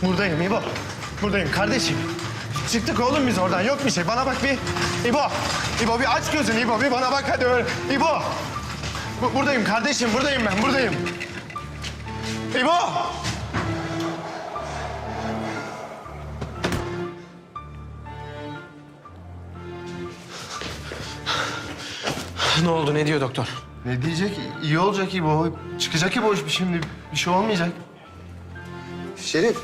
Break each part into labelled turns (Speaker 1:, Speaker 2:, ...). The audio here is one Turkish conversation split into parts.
Speaker 1: Buradayım İbo. Buradayım kardeşim. Çıktık oğlum biz oradan. Yok bir şey. Bana bak bir. İbo. İbo bir aç gözünü İbo. Bir bana bak hadi öyle. İbo. Buradayım kardeşim. Buradayım ben. Buradayım. İbo.
Speaker 2: Ne oldu? Ne diyor doktor?
Speaker 1: Ne diyecek? İyi olacak İbo. Çıkacak İbo şimdi. Bir şey olmayacak. Şerif.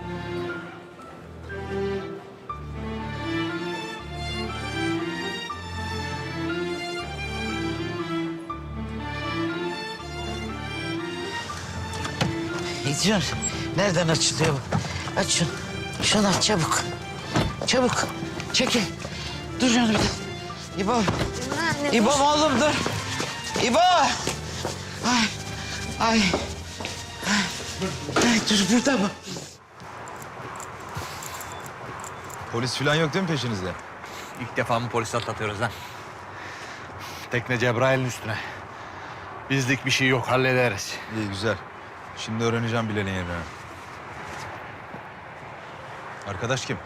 Speaker 3: Ediyor. Nereden açılıyor bu? Aç şunu. Şunu aç çabuk. Çabuk. Çekil. Dur canım. İbo. İbo oğlum dur. İbo. Ay. Ay. Ay dur burada mı?
Speaker 4: Polis falan yok değil mi peşinizde?
Speaker 5: İlk defa mı polis atlatıyoruz lan? Tekne Cebrail'in üstüne. Bizlik bir şey yok, hallederiz.
Speaker 4: İyi güzel. Şimdi öğreneceğim Bilal'in yerini. Arkadaş kim?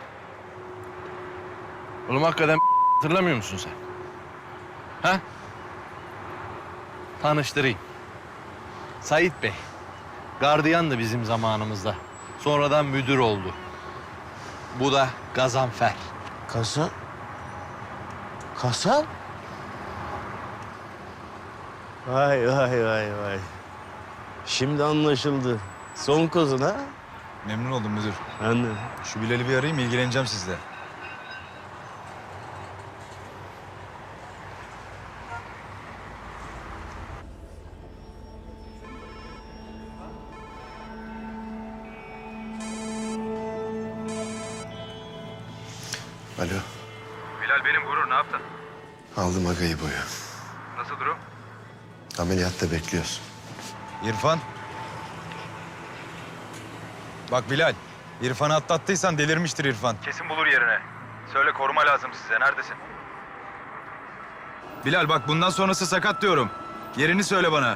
Speaker 5: Oğlum hakikaten hatırlamıyor musun sen? Ha? Tanıştırayım. Sait Bey. Gardiyandı bizim zamanımızda. Sonradan müdür oldu. Bu da Gazanfer.
Speaker 3: Kasan. Kasan?
Speaker 6: Vay vay vay vay. Şimdi anlaşıldı. Son kozun ha?
Speaker 4: Memnun oldum müdür.
Speaker 6: Ben de.
Speaker 4: Şu Bilal'i bir arayayım, ilgileneceğim sizle.
Speaker 1: Alo.
Speaker 7: Bilal benim Gurur, ne yaptın?
Speaker 1: Aldım agayı boyu.
Speaker 7: Nasıl durum?
Speaker 1: Ameliyatta bekliyoruz.
Speaker 4: İrfan. Bak Bilal, İrfan'ı atlattıysan delirmiştir İrfan.
Speaker 7: Kesin bulur yerine. Söyle koruma lazım size, neredesin?
Speaker 4: Bilal bak bundan sonrası sakat diyorum. Yerini söyle bana.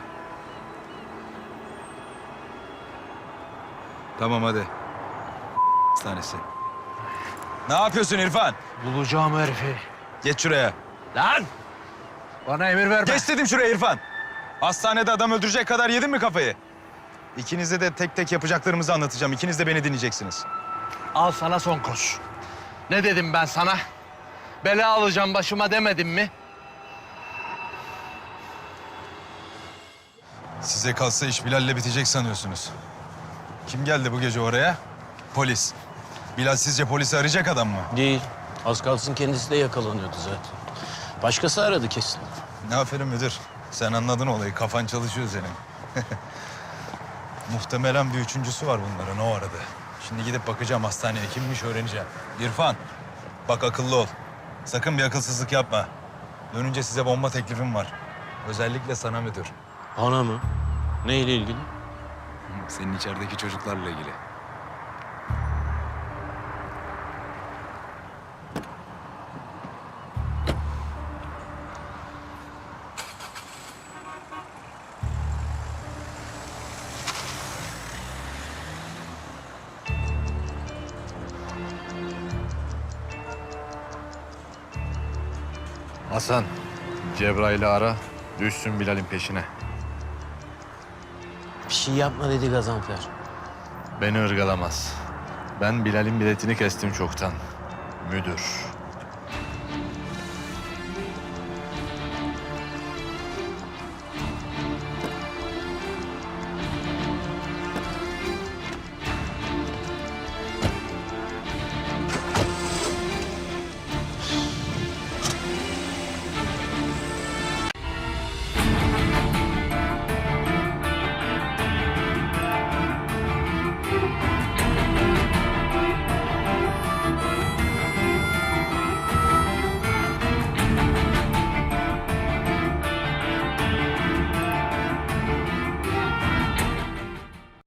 Speaker 4: Tamam hadi. Hastanesi. Ne yapıyorsun İrfan?
Speaker 5: Bulacağım herifi.
Speaker 4: Geç şuraya.
Speaker 5: Lan! Bana emir verme.
Speaker 4: Geç dedim şuraya İrfan. Hastanede adam öldürecek kadar yedin mi kafayı? İkinize de tek tek yapacaklarımızı anlatacağım. İkiniz de beni dinleyeceksiniz.
Speaker 5: Al sana son koz. Ne dedim ben sana? Bela alacağım başıma demedim mi?
Speaker 4: Size kalsa iş Bilal'le bitecek sanıyorsunuz. Kim geldi bu gece oraya? Polis. Bilal sizce polisi arayacak adam mı?
Speaker 6: Değil. Az kalsın kendisi de yakalanıyordu zaten. Başkası aradı kesin.
Speaker 4: Ne aferin müdür. Sen anladın olayı. Kafan çalışıyor senin. Muhtemelen bir üçüncüsü var bunların. O aradı. Şimdi gidip bakacağım hastaneye. Kimmiş öğreneceğim. İrfan, bak akıllı ol. Sakın bir akılsızlık yapma. Dönünce size bomba teklifim var. Özellikle sana müdür.
Speaker 6: Bana mı? Neyle ilgili?
Speaker 4: Senin içerideki çocuklarla ilgili.
Speaker 5: Hasan, Cebrail'i ara, düşsün Bilal'in peşine.
Speaker 6: Bir şey yapma dedi Gazanfer.
Speaker 5: Beni ırgalamaz. Ben Bilal'in biletini kestim çoktan. Müdür.